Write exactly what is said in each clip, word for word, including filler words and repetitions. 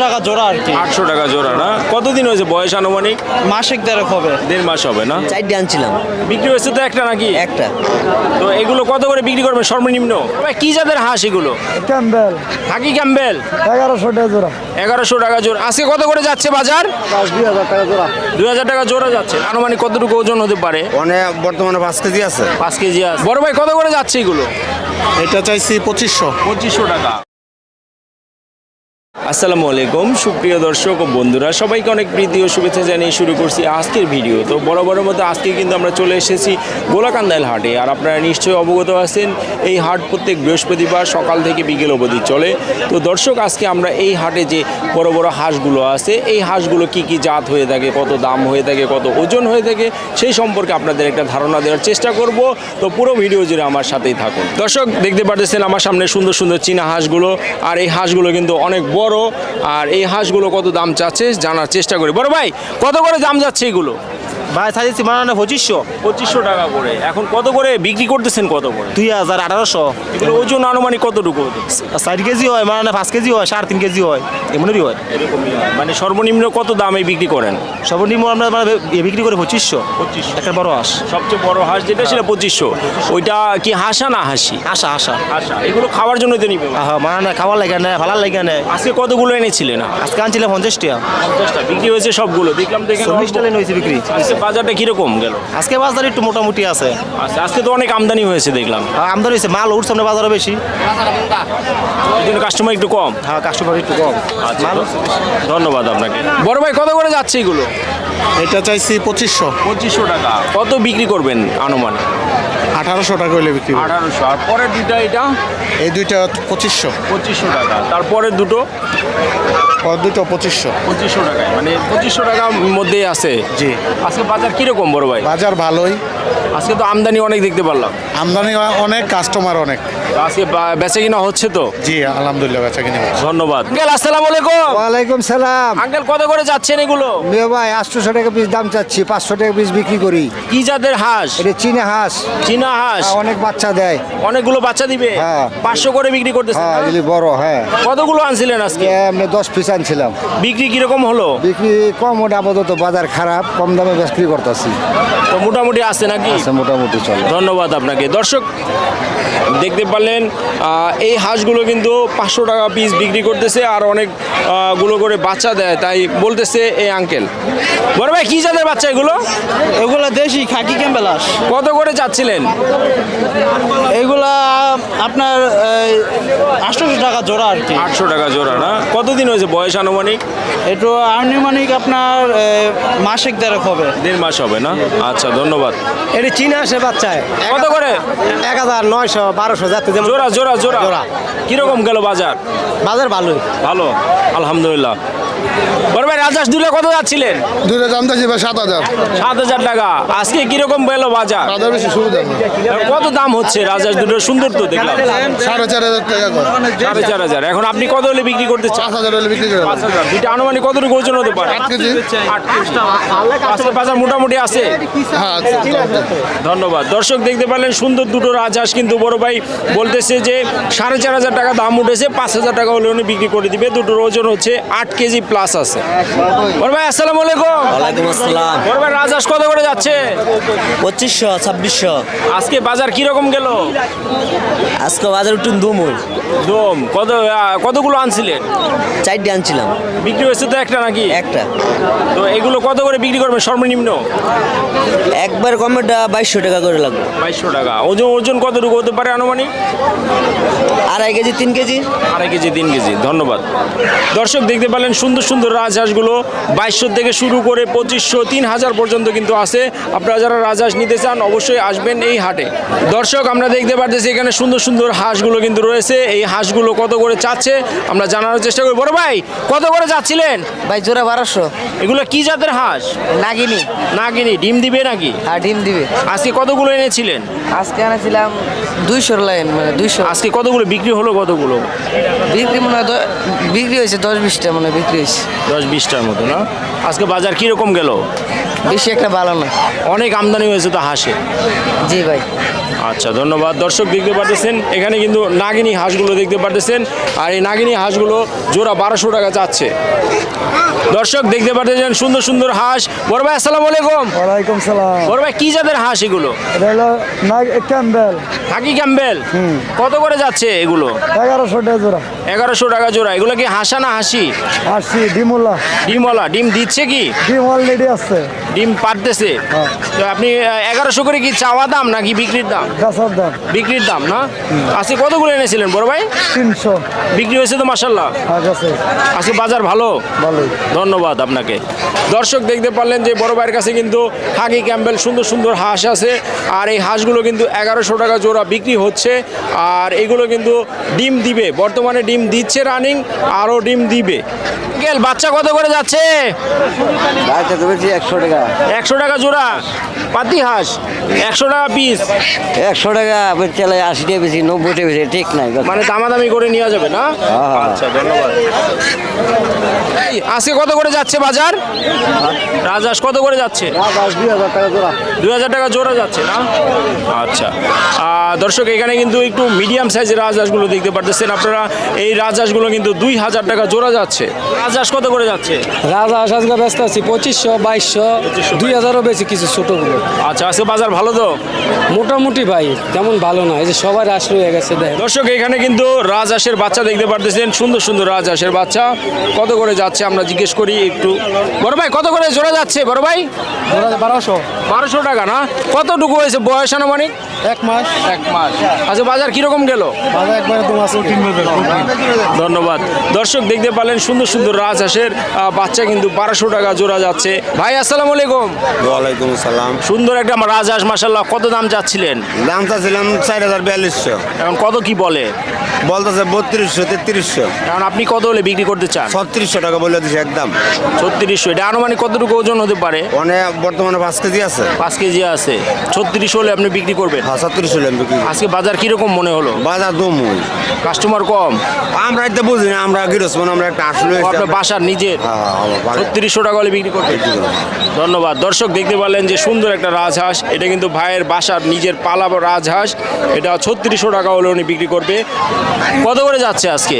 টাকা জোড়া আর কি। আটশো টাকা জোড়া না? কতদিন হয়েছে বয়স আনুমানিক? মাসিক দেড়েক হবে। দেড় মাস হবে না? চারটে আনছিলাম। বিক্রি হয়েছে তো একটা নাকি? একটা। তো এগুলো কত করে বিক্রি করবেন সর্বনিম্ন? ভাই কি জাতের হাঁস এগুলো? ক্যাম্বেল হাকি ক্যাম্বেল এগারোশো টাকা জোড়া। এগারোশো টাকা জোড়া। আজকে কত করে যাচ্ছে বাজার? দুই হাজার টাকা জোড়া। দুই হাজার টাকা জোড়া যাচ্ছে। আনুমানিক কতটুকু ওজন হতে পারে? অনেক বর্তমানে পাঁচ কেজি আছে। পাঁচ কেজি আছে। বড় ভাই কত করে যাচ্ছে এগুলো? এটা চাইছি পঁচিশশো। পঁচিশশো টাকা। আসসালামু আলাইকুম সুপ্রিয় দর্শক ও বন্ধুরা, সবাইকে অনেক প্রীতি ও শুভেচ্ছা জানিয়ে শুরু করছি আজকের ভিডিও। তো বড় বড় মতো আজকে কিন্তু আমরা চলে এসেছি গোলাকান্দাইল হাটে। আর আপনারা নিশ্চয়ই অবগত আছেন এই হাট প্রত্যেক বৃহস্পতিবার সকাল থেকে বিকেল অবধি চলে। তো দর্শক, আজকে আমরা এই হাটে যে বড় বড় হাঁসগুলো আছে, এই হাঁসগুলো কি কি জাত হয়ে থাকে, কত দাম হয়ে থাকে, কত ওজন হয়ে থাকে, সেই সম্পর্কে আপনাদের একটা ধারণা দেওয়ার চেষ্টা করব। তো পুরো ভিডিও জুড়ে আমার সাথেই থাকুন। দর্শক, দেখতে পাচ্ছেন আমার সামনে সুন্দর সুন্দর চীনা হাঁসগুলো। আর এই হাঁসগুলো কিন্তু অনেক বড়। আর এই হাঁসগুলো কত দাম চাচ্ছে জানার চেষ্টা করি। বড় ভাই কত করে দাম যাচ্ছে এগুলো? ভাই সাইজ মানে পঁচিশশো। পঁচিশশো টাকা করে। এখন কত করে বিক্রি করতেছেন? কত করে? দুই হাজার আঠারোশো। এগুলো ওজন আনুমানিক কতটুকু? চার কেজি হয়, মানে পাঁচ কেজি হয়, সাড়ে তিন কেজি হয়, এমনই হয়। এরকমই হয়। মানে সর্বনিম্ন কত দামে বিক্রি করেন? সর্বনিম্ন আমরা মানে বিক্রি করে পঁচিশশো। পঁচিশশো একটা বড় হাঁস। সবচেয়ে বড় হাঁস যেটা সেটা পঁচিশশো। ওইটা কি হাঁসা না হাসি? আশা আশা হাসা। এগুলো খাওয়ার জন্যই তো নিবে। হ্যাঁ, মানে খাওয়ার লাগে না, ভালো লাগে না। আজকে কতগুলো এনেছিলেন? আজকে আনছিলাম পঞ্চাশ টাকা। পঞ্চাশটা বিক্রি হয়েছে সবগুলো? দেখলাম দেখে চল্লিশ টাকা হয়েছে বিক্রি। আজকে বাজারটা কিরকম গেল? আজকে বাজার একটু মোটামুটি আছে। আচ্ছা, আজকে তো অনেক আমদানি হয়েছে দেখলাম। হ্যাঁ, আমদানি হয়েছে, মাল উঠছে আমরা বাজারে বেশি, এই জন্য কাস্টমার একটু কম। হ্যাঁ কাস্টমার একটু কম। আচ্ছা, ধন্যবাদ আপনাকে। বড় ভাই কত করে যাচ্ছে এগুলো? এটা চাইছি পঁচিশশো। পঁচিশশো টাকা। কত বিক্রি করবেন আনুমানিক? আঠারোশো টাকা হইলে বিক্রি করব। আঠারোশো। আর পরের দুইটা এটা এই দুইটা পঁচিশশো। পঁচিশশো টাকা। তারপরের দুটো আর দুটো পঁচিশশো। পঁচিশশো টাকায়, মানে পঁচিশশো টাকার মধ্যেই আছে। জি। আজকে বাজার কিরকম বড় ভাই? বাজার ভালোই, আজকে তো আমদানি অনেক দেখতে পারলাম। আমদানি অনেক, কাস্টমার অনেক। আজকে বা- বেচে কিনা হচ্ছে তো? জি আলহামদুলিল্লাহ, বেচা কিনে হচ্ছে। ধন্যবাদ। আঙ্কেল আসসালামু আলাইকুম। ওয়ালাইকুম সালাম। আঙ্কেল কত করে যাচ্ছেন এগুলো? মেয়ে ভাই আটশোশো টাকা পিস দাম চাচ্ছি, পাঁচশো টাকা পিস বিক্রি করি। কি জাতের হাঁস? এটা চীনা হাঁস, চীনা হাঁস। অনেক বাচ্চা দেয়। অনেকগুলো বাচ্চা দিবে? হ্যাঁ। পাঁচশো করে বিক্রি করতেছেন হ্যাঁ না? এগুলি বড়। হ্যাঁ, কতগুলো আনছিলেন আজকে? এমনি দশ পিস আনছিলাম। বিক্রি কিরকম হলো? বিক্রি কম, ওটা আপাতত বাজার খারাপ, কম দামে বিক্রি করতেছি। তো মোটামুটি আছে নাকি? আচ্ছা, মোটামুটি চলে। ধন্যবাদ আপনাকে। দর্শক, দেখতে পারলেন আহ, এই হাঁসগুলো কিন্তু পাঁচশো টাকা পিস বিক্রি করতেছে। আর অনেক আহ, গুলো করে বাচ্চা দেয়, তাই বলতেছে এই আঙ্কেল। বড় ভাই কি জাতের বাচ্চা এগুলো? এগুলা দেশি খাকি ক্যাম্বেল হাঁস। কত করে চাচ্ছিলেন? এগুলা আপনার আটশোশো টাকা জোড়া আর কি। আটশো টাকা জোড়া না? কতদিন হয়েছে বয়স আনুমানিক? একটু আনুমানিক আপনার মাসিক দেড়েক হবে। দেড় মাস হবে না? আচ্ছা, ধন্যবাদ। এটা চীনা হাঁসের বাচ্চায় কত করে? এক হাজার নয়শো বারোশো যাতে যেমন। জোড়া জোড়া জোড়া জোড়া। কিরকম গেল বাজার? বাজার ভালোই। ভালো, আলহামদুলিল্লাহ। বড় ভাই রাজহাঁস দুলে কত যাচ্ছিলেন? দুইটা দাম চাইছি ভাই সাত হাজার। সাত হাজার টাকা। আজকে কিরকম গেল বাজার? বাজার বেশি সুবিধা কত দাম হচ্ছে রাজহাঁস দুটো? সুন্দর তো দেখলাম। সাড়ে চার হাজার টাকা করে। সাড়ে চার হাজার। এখন আপনি কত হলে বিক্রি করতে চান? পাঁচ হাজার হলে বিক্রি করে পাঁচ হাজার। দুইটা আনুমানিক কতটুকু ওজন হতে পারে? আট কেজি। আট কেজি। আজকে বাজার মোটামুটি আছে। হ্যাঁ আচ্ছা, ধন্যবাদ। দর্শক, দেখতে পারলেন সুন্দর দুটো রাজহাঁস কিন্তু বড় ভাই বলতেছে যে সাড়ে চার হাজার টাকা দাম উঠেছে, পাঁচ হাজার টাকা হলে উনি বিক্রি করে দিবে। দুটোর ওজন হচ্ছে আট কেজি প্লাস আছে। বড় ভাই আসসালামু আলাইকুম। ওয়ালাইকুম আসসালাম। বড় ভাই রাজহাঁস কত করে যাচ্ছে? পঁচিশশো ছাব্বিশশো। আজকে বাজার কিরকম গেল? আজকে বাজার একটু দুমুল। দম কত আহ, কতগুলো আনছিলেন? চারটে আনছিলাম। বিক্রি হয়েছে তো একটা নাকি? একটা। তো এগুলো কত করে বিক্রি করবেন সর্বনিম্ন? একবার কমেটা বাইশশো টাকা করে লাগবে। বাইশশো টাকা। ওজন ওজন কতটুকু হতে পারে আনুমানিক? আড়াই কেজি তিন কেজি। আড়াই কেজি তিন কেজি। ধন্যবাদ। দর্শক, দেখতে পেলেন সুন্দর সুন্দর রাজহাঁসগুলো বাইশশো থেকে শুরু করে পঁচিশশো তিন হাজার পর্যন্ত কিন্তু আছে। আপনারা যারা রাজহাঁস নিতে চান অবশ্যই আসবেন এই হাটে। দর্শক, আমরা দেখতে পারতেছি এখানে সুন্দর সুন্দর হাঁসগুলো কিন্তু রয়েছে। এই হাঁসগুলো কত করে চাচ্ছে আমরা জানার চেষ্টা করি। বড় ভাই কত করে যাচ্ছিলেন? ভাই জোড়া বারোশো। এগুলো কি জাতের হাঁস? নাগিনি। নাগিনি। ডিম দিবে নাকি? আর ডিম দিবে। আজকে কতগুলো এনেছিলেন? আজকে আনেছিলাম দুইশোর লাইন, মানে দুইশো। আজকে কতগুলো বিক্রি হলো? কতগুলো বিক্রি মনে হয় দ- বিক্রি হয়েছে দশ বিশটা মনে হয় বিক্রি হয়েছে। বিশ দশ বিশটার মতো না? আজকে বাজার কীরকম গেল? বেশি একটা ভালো না। অনেক আমদানি হয়েছে তো হাঁসে। জি ভাই। আচ্ছা, ধন্যবাদ। দর্শক দেখতে পারতেছেন এখানে কিন্তু নাগিনী হাঁসগুলো দেখতে পারতেছেন, আর এই নাগিনী হাঁসগুলো জোড়া বারোশো টাকা যাচ্ছে। দর্শক দেখতে পারতেছেন সুন্দর সুন্দর হাঁস। বড় ভাই আসসালামু আলাইকুম। ওয়ালাইকুম সালাম। বড় ভাই কি জাতের হাঁস এগুলো? এটা হলো নাগ ক্যাম্বেল। খাকি ক্যাম্বেল। কত করে যাচ্ছে এগুলো? এগারোশো টাকা জোড়া। এগারোশো টাকা জোড়া। এগুলো কি হাঁসা না হাসি? আসছি ডিমুল্লা। ডিমওয়ালা। ডিম দিচ্ছে কি? ডিম অলরেডি আছে। ডিম পারতেছে। হ্যাঁ। তো আপনি এগারোশো করে কি চাওয়া দাম নাকি বিক্রির দাম? গাছার দাম বিক্রির দাম না? আজকে কতগুলো এনেছিলেন বড় ভাই? তিনশো। বিক্রি হয়েছে তো মাশাল্লাহ। আর গাছে আজকে বাজার ভালো। ভালোই। ধন্যবাদ আপনাকে। দর্শক দেখতে পারলেন যে বড় ভাইয়ের কাছে কিন্তু খাকি ক্যাম্বেল সুন্দর সুন্দর হাঁস আছে, আর এই হাঁসগুলো কিন্তু এগারোশো টাকা জোড়া বিক্রি হচ্ছে, আর এগুলো কিন্তু ডিম দিবে, বর্তমানে ডিম দিচ্ছে রানিং, আরও ডিম দিবে। গেল বাচ্চা কত করে যাচ্ছে? বাচ্চা তো বেশি একশো টাকা। একশো টাকা জোড়া পাতি হাঁস, একশো টাকা পিস। একশো টাকা চালাই, আশি টাকা বেশি, নব্বই টাকা বেশি, ঠিক নাই। মানে দামাদামি করে নেওয়া যাবে না? হ্যাঁ। আচ্ছা, ধন্যবাদ। এই, আজকে কত করে যাচ্ছে বাজার? রাজহাঁস কত করে যাচ্ছে? দুই হাজার টাকা জোড়া। দুই হাজার টাকা জোড়া যাচ্ছে না? আচ্ছা। আহ, দর্শক এখানে কিন্তু একটু মিডিয়াম সাইজের রাজহাঁসগুলো দেখতে পারতেছেন আপনারা। এই রাজহাঁসগুলো কিন্তু দুই হাজার টাকা জোড়া যাচ্ছে। রাজহাঁস কত করে যাচ্ছে? রাজহাঁস আজকে ব্যস্ত আছি পঁচিশশো বাইশশো দুই হাজারও বেশি কিছু ছোটোগুলো। আচ্ছা, আজকে বাজার ভালো তো? মোটামুটি ভাই, তেমন ভালো না, এই যে সবার রাশ রয়ে গেছে দেখ। দর্শক এখানে কিন্তু রাজহাঁসের বাচ্চা দেখতে পারতেছেন, সুন্দর সুন্দর রাজহাঁসের বাচ্চা। কত করে যাচ্ছে আমরা জিজ্ঞেস করি একটু। বড় ভাই কত করে জোড়া যাচ্ছে বড় ভাই? বারোশো। বারোশো টাকা না? কতটুকু হয়েছে বয়স আনুমানিক? এক মাস। এক মাস। আচ্ছা, বাজার কিরকম গেল? বাজার একবারে দু মাস কিনবে। ধন্যবাদ। দর্শক দেখতে পারলেন সুন্দর সুন্দর রাজহাঁসের আহ, বাচ্চা কিন্তু বারোশো টাকা জোড়া যাচ্ছে। ভাই আসসালামু আলাইকুম। ওয়ালাইকুম আসসালাম। সুন্দর একটা আমার রাজহাঁস মাশাল্লাহ। কত দাম চাচ্ছিলেন? দাম চাচ্ছিলাম চার হাজার বিয়াল্লিশশো। এখন কত কি বলে? বলতেছে বত্রিশশো তেত্রিশশো। এখন আপনি কত হলে বিক্রি করতে চান? ছত্রিশশো টাকা বলে দিছে একদম। ছত্রিশশো। এটা আনুমানিক কতটুকু ওজন হতে পারে? অনেক বর্তমানে পাঁচ কেজি আছে। পাঁচ কেজি আছে। ছত্রিশ হলে আপনি বিক্রি করবেন? হ্যাঁ, ছত্রিশশো টাকা বিক্রি। আজকে বাজার কিরকম মনে হলো? বাজার দমুই। কাস্টমার কম? আমরা এটা বুঝি না, আমরা গিরস মানে আমরা একটা আসলে ও, আপনার বাসার নিজের? হ্যাঁ। ছত্রিশশো টাকা হলে বিক্রি করবেন? ধন্যবাদ। দর্শক দেখতে পারলেন যে সুন্দর একটা রাজহাঁস। এটা কিন্তু ভাইয়ের বাসার নিজের পালা রাজহাঁস। এটা ছত্রিশশো টাকা হলে উনি বিক্রি করবে। কত করে যাচ্ছে আজকে?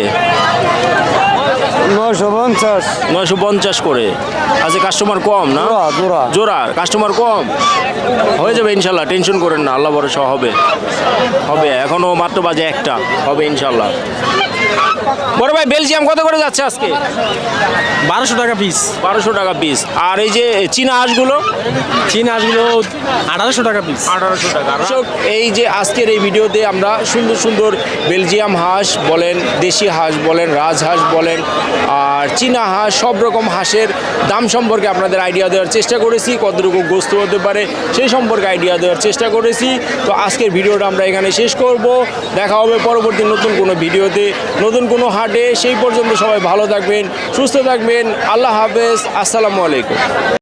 নয়শো পঞ্চাশ। নয়শো পঞ্চাশ করে। আজকে কাস্টমার কম না? জোড়া, জোড়া। জোড়া কাস্টমার কম। হয়ে যাবে ইনশাল্লাহ, টেনশন করেন না, আল্লাহ ভরসা হবে। হবে, এখনো মাত্র বাজে একটা, হবে ইনশাল্লাহ। বড় ভাই বেলজিয়াম কত করে যাচ্ছে আজকে? বারোশো টাকা পিস। বারোশো টাকা পিস। আর এই যে চীনা হাঁসগুলো? চীন হাঁসগুলো আঠারোশো টাকা পিস। আঠারোশো টাকা। দর্শক এই যে আজকের এই ভিডিওতে আমরা সুন্দর সুন্দর বেলজিয়াম হাঁস বলেন, দেশি হাঁস বলেন, রাজহাঁস বলেন, আর চীনা হাঁস, সব রকম হাঁসের দাম সম্পর্কে আপনাদের আইডিয়া দেওয়ার চেষ্টা করেছি। কতটুকু গোস্ত হতে পারে সেই সম্পর্কে আইডিয়া দেওয়ার চেষ্টা করেছি। তো আজকের ভিডিওটা আমরা এখানে শেষ করব। দেখা হবে পরবর্তী নতুন কোনো ভিডিওতে, নতুন কোনো হাটে। সেই পর্যন্ত সবাই ভালো থাকবেন, সুস্থ থাকবেন। আল্লাহ হাফেজ। আসসালামু আলাইকুম।